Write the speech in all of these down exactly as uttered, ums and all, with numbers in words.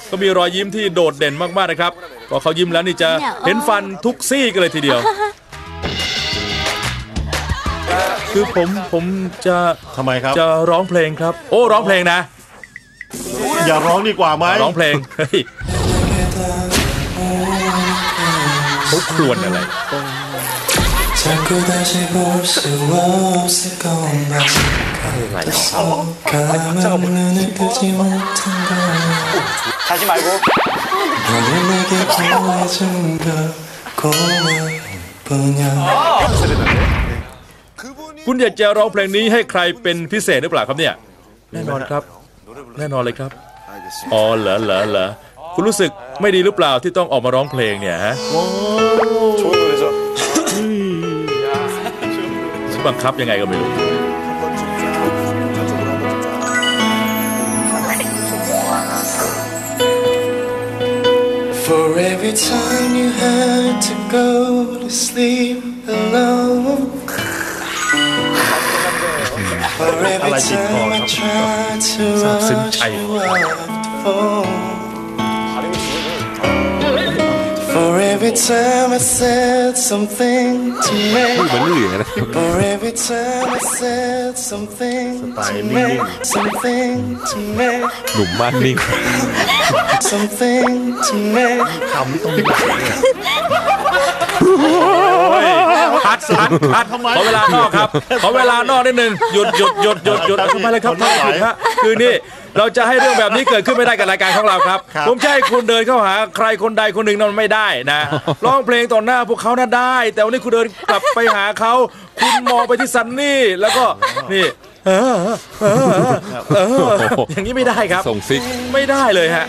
ก็มีรอยยิ้มที่โดดเด่นมากๆนะครับพอเขายิ้มแล้วนี่จะเห็นฟันทุกซี่กันเลยทีเดียวคือผมผมจะทำไมครับจะร้องเพลงครับโอ้ร้องเพลงนะอย่าร้องดีกว่าไหมร้องเพลงเฮ้ยเขาครวญอะไรคุณอยากจะร้องเพลงนี้ให้ใครเป็นพิเศษหรือเปล่าครับเนี่ยแน่นอนครับแน่นอนเลยครับอ๋อเหรอเหรอเหรอคุณรู้สึกไม่ดีหรือเปล่าที่ต้องออกมาร้องเพลงเนี่ยฮะบังคับยังไงก็ไม่รู้ For every time you had to go to sleep alone For every time I tried to rush you off the phone For every time I said something to make For every time I said something to make Something to make หนุ่มมากนิ่ง Something to make คำไม่ต้องดิ้นพัดพัดพัดขอเวลานอกครับขอเวลานอกนิดนึงหยุดหยุดหยุดหยุดหยุดทำไมเลยครับท่านผู้ชมฮะคือนี่เราจะให้เรื่องแบบนี้เกิดขึ้นไม่ได้กับรายการของเราครับผมจะให้คุณเดินเข้าหาใครคนใดคนหนึ่งนั้นไม่ได้นะร้องเพลงต่อหน้าพวกเขาน่าได้แต่วันนี้คุณเดินกลับไปหาเขาคุณมองไปที่ซันนี่แล้วก็นี่เออเออเอออย่างนี้ไม่ได้ครับส่งซิกไม่ได้เลยฮะ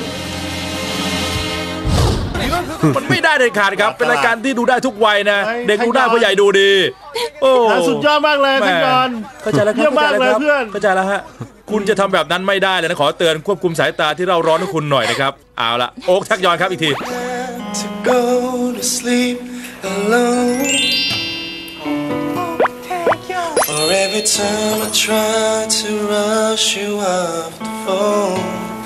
มันไม่ได้เลยขาดครับเป็นรายการที่ดูได้ทุกวัยนะเด็กดูได้ผู้ใหญ่ดูดีโอ้สุดยอดมากเลยท่านยอนเข้าใจแล้วครับเข้าใจแล้วเพื่อนเข้าใจแล้วฮะคุณจะทำแบบนั้นไม่ได้เลยนะขอเตือนควบคุมสายตาที่เราร้อนให้คุณหน่อยนะครับเอาละโอ๊คทักยอนครับอีกที For every time I try to rush you off the phone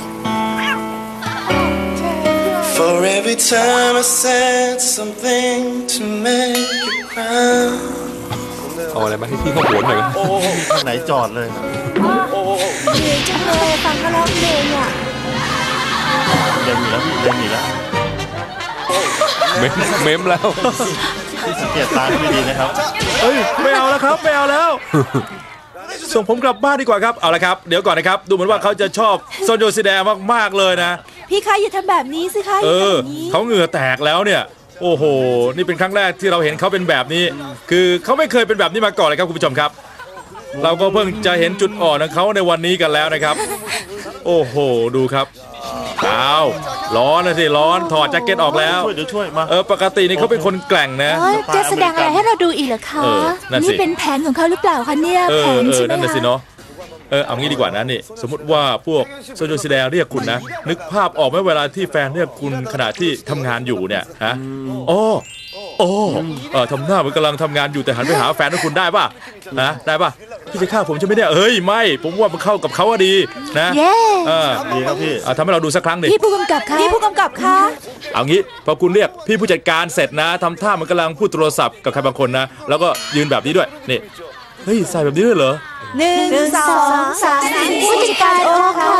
For every time I said something to make you cry เอาอะไรมาให้พี่เขาโหนหน่อยไหนจอดเลยเดี๋ยวจังเลยฟังเขาร้องเพลงอ่ะเล่นอยู่แล้วพี่เล่นอยู่แล้วเมมเมมแล้วที่สังเกตตาไม่ดีนะครับเฮ้ยไม่เอาแล้วครับไม่เอาแล้วส่งผมกลับบ้านดีกว่าครับเอาละครับเดี๋ยวก่อนนะครับดูเหมือนว่าเขาจะชอบโซนโยซิแดมากๆเลยนะพี่คะอย่าทำแบบนี้สิคะเออเขาเหงื่อแตกแล้วเนี่ยโอ้โหนี่เป็นครั้งแรกที่เราเห็นเขาเป็นแบบนี้คือเขาไม่เคยเป็นแบบนี้มาก่อนเลยครับคุณผู้ชมครับเราก็เพิ่งจะเห็นจุดอ่อนของเขาในวันนี้กันแล้วนะครับโอ้โหดูครับอ้าวร้อนนะสิร้อนถอดแจ็คเก็ตออกแล้วเดี๋ยวช่วยมาเออปกตินี่เขาเป็นคนแกร่งนะจะแสดงอะไรให้เราดูอีกเหรอคะนี่เป็นแผนของเขาหรือเปล่าคะเนี่ยแผนใช่ไหมคะนั่นน่ะสิเนาะเออเอางี้ดีกว่านะนี่สมมติว่าพวกโซโยซิแดเรียกคุณนะนึกภาพออกไหมเวลาที่แฟนเรียกคุณขณะที่ทำงานอยู่เนี่ยฮะโอ้โอ้เออทำหน้าเหมือนกำลังทำงานอยู่แต่หันไปหาแฟนของคุณได้ป่ะนะได้ป่ะพี่จะฆ่าผมใช่ไหมเนี่ยเอ้ยไม่ผมว่ามันเข้ากับเขาดีนะเออดีครับพี่ทำให้เราดูสักครั้งดิพี่ผู้กำกับค่ะพี่ผู้กำกับค่ะเอางี้พอคุณเรียกพี่ผู้จัดการเสร็จนะทำท่ามันกำลังพูดโทรศัพท์กับใครบางคนนะแล้วก็ยืนแบบนี้ด้วยนี่เฮ้ยใส่แบบนี้ด้วยเหรอหนึ่งสองสามผู้จัดการโอ๊คค่ะ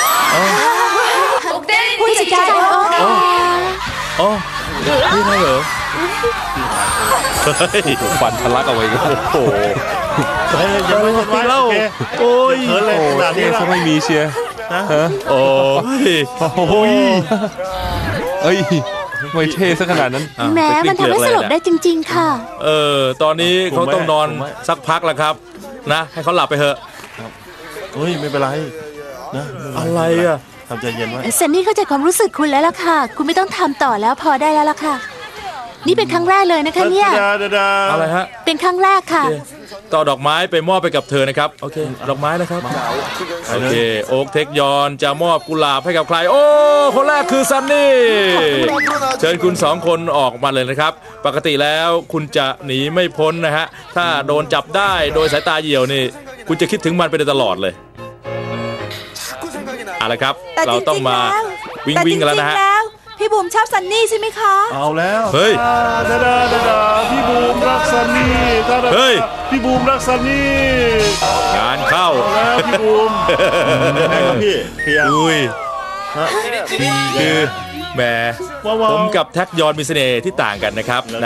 ผู้จัดการโอ๊คค่ะอ๋อนี่ไงเหรอฟันทะลักเอาไว้โอ้โหยังไม่ทันว่าโอ้ยเฮ้ยเลยขนาดนี้เขาไม่มีเชียร์ฮะโอ้ยโอ้ยเอ้ยไม่เท่ซะขนาดนั้นแม้มันทำให้สลบได้จริงๆค่ะเออตอนนี้เขาต้องนอนสักพักแล้วครับนะให้เขาหลับไปเถอะเฮ้ยไม่เป็นไรนะอะไรอ่ะทำใจเย็นไว้เซนนี่เข้าใจความรู้สึกคุณแล้วล่ะค่ะคุณไม่ต้องทำต่อแล้วพอได้แล้วล่ะค่ะนี่เป็นครั้งแรกเลยนะคะเนี่ยอะไรฮะเป็นครั้งแรกค่ะต่อดอกไม้ไปมอบไปกับเธอนะครับโอเคดอกไม้นะครับโอเคโอ๊คเทคยอนจะมอบกุหลาบให้กับใครโอ้คนแรกคือซันนี่เชิญคุณสองคนออกมาเลยนะครับปกติแล้วคุณจะหนีไม่พ้นนะฮะถ้าโดนจับได้โดยสายตาเหี่ยวนี่คุณจะคิดถึงมันไปตลอดเลยเอาละครับเราต้องมาวิ่งแต่จวิ่งกันแล้วรินะงฮะๆแล้วพี่บุ๋มชอบซันนี่ใช่ไหมคะเอาแล้วเฮ้ยดาดาดาดาพี่บูมรักซันนี่ดาดาเฮ้ยพี่บูมรักซันนี่งานเข้าแล้วพี่บูมยังไงครับพี่เคลียร์อุ้ยฮะคือแหมว้าวๆผมกับแท็กยอนมีเสน่ห์ที่ต่างกันนะครับนะ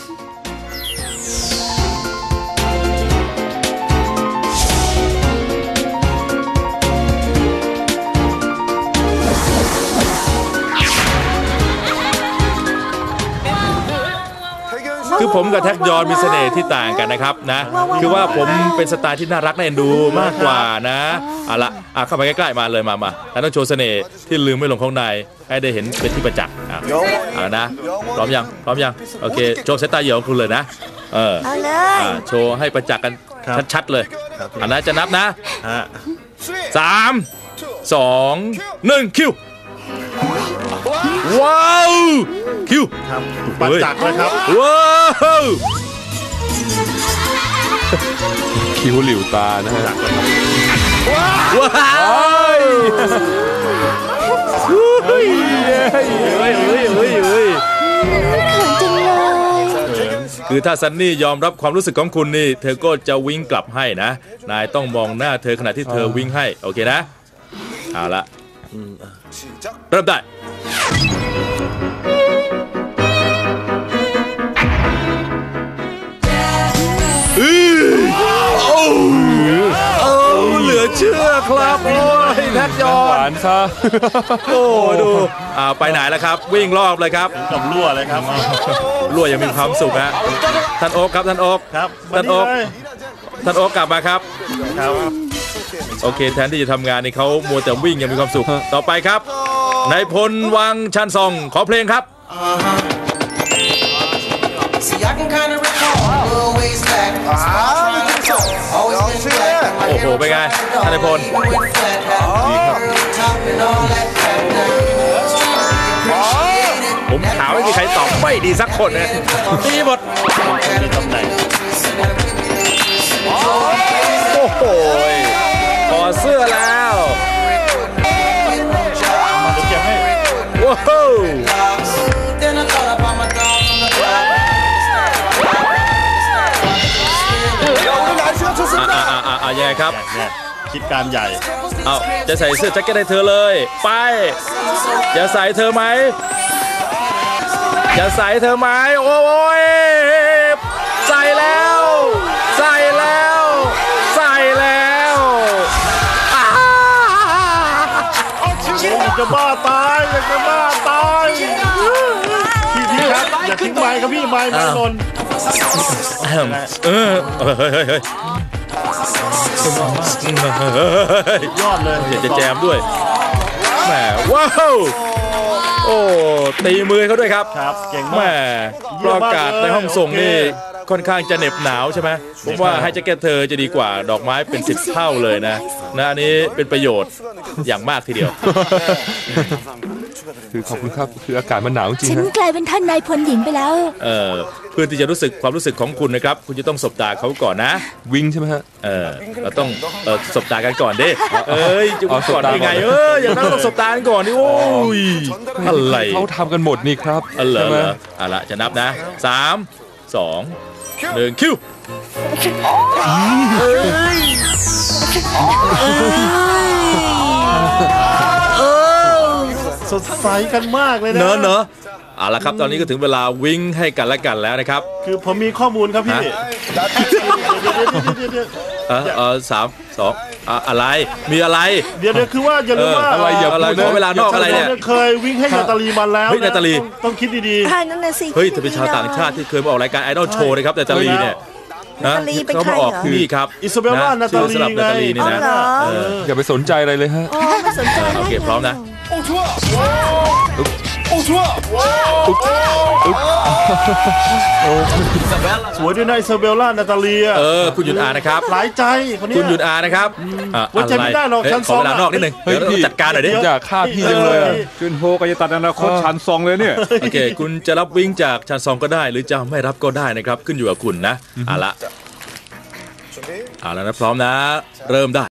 คือผมกับแท็กยอนมีเสน่ห์ที่ต่างกันนะครับนะคือว่าผมเป็นสไตล์ที่น่ารักน่าเอ็นดูมากกว่านะเอาละอ่ะเข้าไปใกล้ๆมาเลยมามาแล้วต้องโชว์เสน่ห์ที่ลืมไม่ลงข้างในให้ได้เห็นเป็นที่ประจักษ์อ่ะเอาละนะพร้อมยังพร้อมยังโอเคโชว์สายตาเหยื่อของคุณเลยนะเออเอาเลยอ่ะโชว์ให้ประจักษ์กันชัดๆเลยอันนั้นจะนับนะฮะสามสองหนึ่งคิวว้าวคิวครับปัจจักรเลยครับว้าวคิ้วหลิวตานะฮะว้าวเฮ้ยเฮ้ยเฮ้ยเฮ้ยเฮ้ยเฮ้ยเขินจังเลยคือถ้าซันนี่ยอมรับความรู้สึกของคุณนี่เธอก็จะวิ่งกลับให้นะนายต้องมองหน้าเธอขณะที่เธอวิ่งให้โอเคนะเอาละเริ่มได้เหลือเชื่อครับโอ้ยแท็กยอหวาน นซะโอ้ดูอ่าไปไหนแล้วครับวิ่งรอบเลยครับกับรั่วเลยครับรั่วยังมีความสุขฮะท่านโอ๊คครับท่านโอ๊คครับท่านโอ๊คเลยท่านโอ๊คกลับมาครับครับโอเคแทนที่จะทำงานนี่เขามัวแต่วิ่งยังมีความสุขต่อไปครับนายพลวังชันซองขอเพลงครับ See, I can kind of recall a little ways back. Always been black. โอ้โหเป็นไงท่านนายพล Top and all that crap now. ผมถามไม่มีใครตอบไม่ดีสักคนนะดีหมดมีตำแหน่งโอ้โหถอดเสื้อแล้วมาเดี๋ยวเก็บให้ว้าว Then I thought about my dogs on the block. อ่าอ่าอ่าอ่ายังไงครับเนี่ยคิดการใหญ่เอาจะใส่เสื้อแจ็คเก็ตให้เธอเลยไปจะใส่เธอไหมจะใส่เธอไหมโอ้ยใส่แล้วใส่แล้วใส่แล้วอ้าอยากจะบ้าตายอยากจะบ้าตายพี่พี่ครับอย่าทิ้งไม้ครับพี่ไม้ไม้นนเออเฮ้ยเฮ้ยเฮ้ยยอดเลยอยากจะแจมด้วยแหมว้าวโอ้ตีมือเขาด้วยครับครับเก่งแหมมากปลอากาศในห้องส่งนี่ค่อนข้างจะเหน็บหนาวใช่ไหมผมว่าให้แจ็คเก็ตเธอจะดีกว่าดอกไม้เป็นสิบเท่าเลยนะนะอันนี้เป็นประโยชน์อย่างมากทีเดียวคือขอบคุณครับคืออากาศมันหนาวจริงฉันฮะกลายเป็นท่านนายพลหญิงไปแล้วเออเพื่อที่จะรู้สึกความรู้สึกของคุณนะครับคุณจะต้องสบตาเขาก่อนนะวิ่งใช่ไหมฮะเออเราต้องเออสบตากันก่อนดิเอ้ยจะอ๋อก่อนได้ไงสบตาก่อนเอออย่างนั้นต้องสบตากันก่อนดิโอ้ยอะไรเขาทำกันหมดนี่ครับเออเหรอใช่เหไหรมอเอาละจะนับนะสามสองหนึ่งคิวสดใสกันมากเลยนะเนอะเนอะเอาละครับตอนนี้ก็ถึงเวลาวิ่งให้กันและกันแล้วนะครับคือผมมีข้อมูลครับพี่ฮะเดี๋ยวเดี๋ยวเดี๋ยวเดี๋ยวเออเออสามสองอ่ะอะไรมีอะไรเดี๋ยวเดี๋ยวคือว่าอย่าลืมว่าเอออะไรอย่าอะไรขอเวลานอกอะไรเนี่ยเคยวิ่งให้นาตาลีมาแล้วเฮ้ยนาตาลีต้องต้องคิดดีท่านนั่นน่ะสิเฮ้ยเธอเป็นชาวต่างชาติที่เคยมาออกรายการไอดอลโชว์นะครับแต่ตาลีเนี่ยนะนาตาลีเป็นเขาใครมาเหรอออกนี่ครับอิซาเบลล่านาตาลีชื่อสลับนาตาลีนี่อ๋อนะเหรอเอออย่าไปสนใจอะไรเลยฮะโอ้ไม่สนใจโอเคพร้อมนะๆ สวยด้วยนะอิซาเบลล่านาตาลีอะเออคุณหยุดอ่านนะครับหลายใจคนเนี้ยคุณหยุดอ่านนะครับอ่ะไว้ใจไม่ได้หรอกเฮ้ยชั้นขอเวลาสองอะนอกนิดนึงเฮ้ยเดี๋ยวพี่เราจัดการหน่อยดิอยากฆ่าพี่จังเลยอะจุนโฮก็จะตัดอนาคตชันซองเลยเนี่ยโอเคคุณจะรับวิ่งจากชันซองก็ได้ หรือจะไม่รับก็ได้นะครับขึ้นอยู่กับคุณนะเอาละเอาละนะพร้อมนะ เริ่มได้